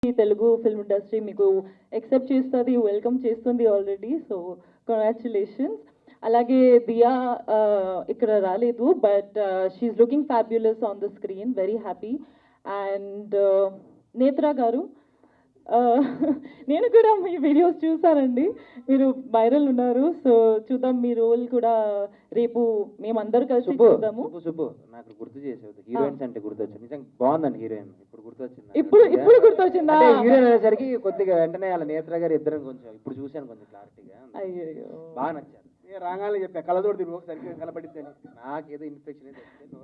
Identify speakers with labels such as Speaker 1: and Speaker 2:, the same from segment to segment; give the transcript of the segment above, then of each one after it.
Speaker 1: Telugu film industry మీకు accept చేస్తుంది, welcome చేస్తుంది ఆల్రెడీ. So congratulations. అలాగే దియా ఇక్కడ రాలేదు, but she's looking fabulous on the screen, very happy. And Netra గారు, నేను కూడా మీ వీడియోస్ చూసానండి, మీరు వైరల్ ఉన్నారు. సో చూద్దాం మీ రోల్ కూడా రేపు మేమందరూ కలిసి చూద్దాము.
Speaker 2: శుభు నాకు గుర్తు చేసేది, హీరోయిన్స్ అంటే గుర్తొచ్చింది. నిజంగా బాగుందండి హీరోయిన్. ఇప్పుడు గుర్తొచ్చింది,
Speaker 1: ఇప్పుడు గుర్తొచ్చిందా?
Speaker 2: హీరోయిన్ అనేసరికి కొద్దిగా వెంటనే వాళ్ళ నేత్ర గారు ఇద్దరం కొంచెం ఇప్పుడు చూశాను కొంచెం క్లారిటీగా.
Speaker 1: అయ్యో
Speaker 2: బాగా నచ్చారు.
Speaker 3: రాగానే చెప్పా కళ్ళతోటి తిరుగు సరిగ్గా కనపడిద్దని.
Speaker 2: నాకేదో ఇన్ఫెక్షన్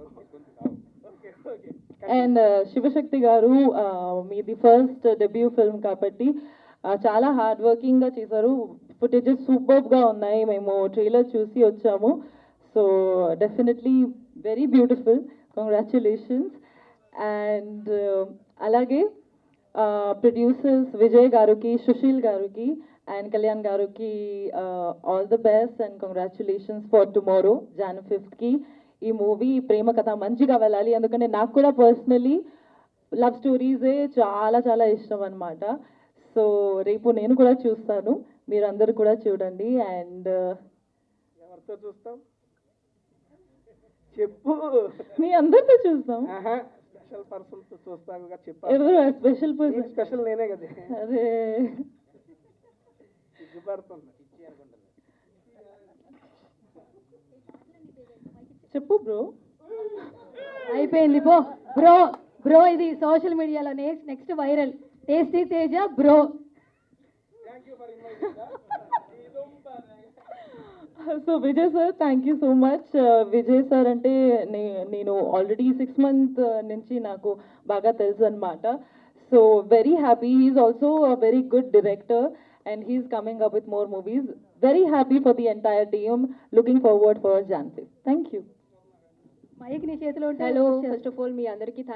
Speaker 1: అండ్ శివశక్తి గారు, మీది ఫస్ట్ డెబ్యూ ఫిల్మ్ కాబట్టి చాలా హార్డ్ వర్కింగ్గా చేశారు. ఫుటేజెస్ సూపర్గా ఉన్నాయి, మేము ట్రైలర్ చూసి వచ్చాము. So definitely very beautiful, congratulations. And అలాగే ప్రొడ్యూసర్స్ విజయ్ గారికి, సుశీల్ గారికి అండ్ కళ్యాణ్ గారికి all the best and congratulations for tomorrow Jan 5th. ఈ మూవీ ప్రేమ కథ మంచిగా వెళ్ళాలి, ఎందుకంటే నాకు కూడా పర్సనలీ లవ్ స్టోరీసే చాలా చాలా ఇష్టం అనమాట. సో రేపు నేను కూడా చూస్తాను, మీరందరూ కూడా చూడండి. అండ్
Speaker 3: ఎవరితో చూస్తాం చెప్పు?
Speaker 1: మీ అందరితో చూస్తాం.
Speaker 3: స్పెషల్ పర్సన్ తో చూస్తాను చెప్పాను.
Speaker 1: ఎవరు స్పెషల్ పర్సన్?
Speaker 3: స్పెషల్ నేనే కదా.
Speaker 1: అరే
Speaker 3: సిగ్గుపడుతుంది.
Speaker 1: చెప్పు బ్రో.
Speaker 4: అయిపోయింది పో బ్రో. బ్రో ఇది సోషల్ మీడియాలో next viral. Tasty Teja bro.
Speaker 1: So Vijay sir, thank you so much. Vijay sir అంటే నేను ఆల్రెడీ 6 months నుంచి నాకు బాగా తెలుసు అనమాట. So very happy. He's also a very good director and he's coming up with more movies. Very happy for the entire team. Looking forward for Jan 5th. Thank you.
Speaker 4: Mic నీ చేతిలో ఉంటే
Speaker 5: hello, first of all మీ అందరికీ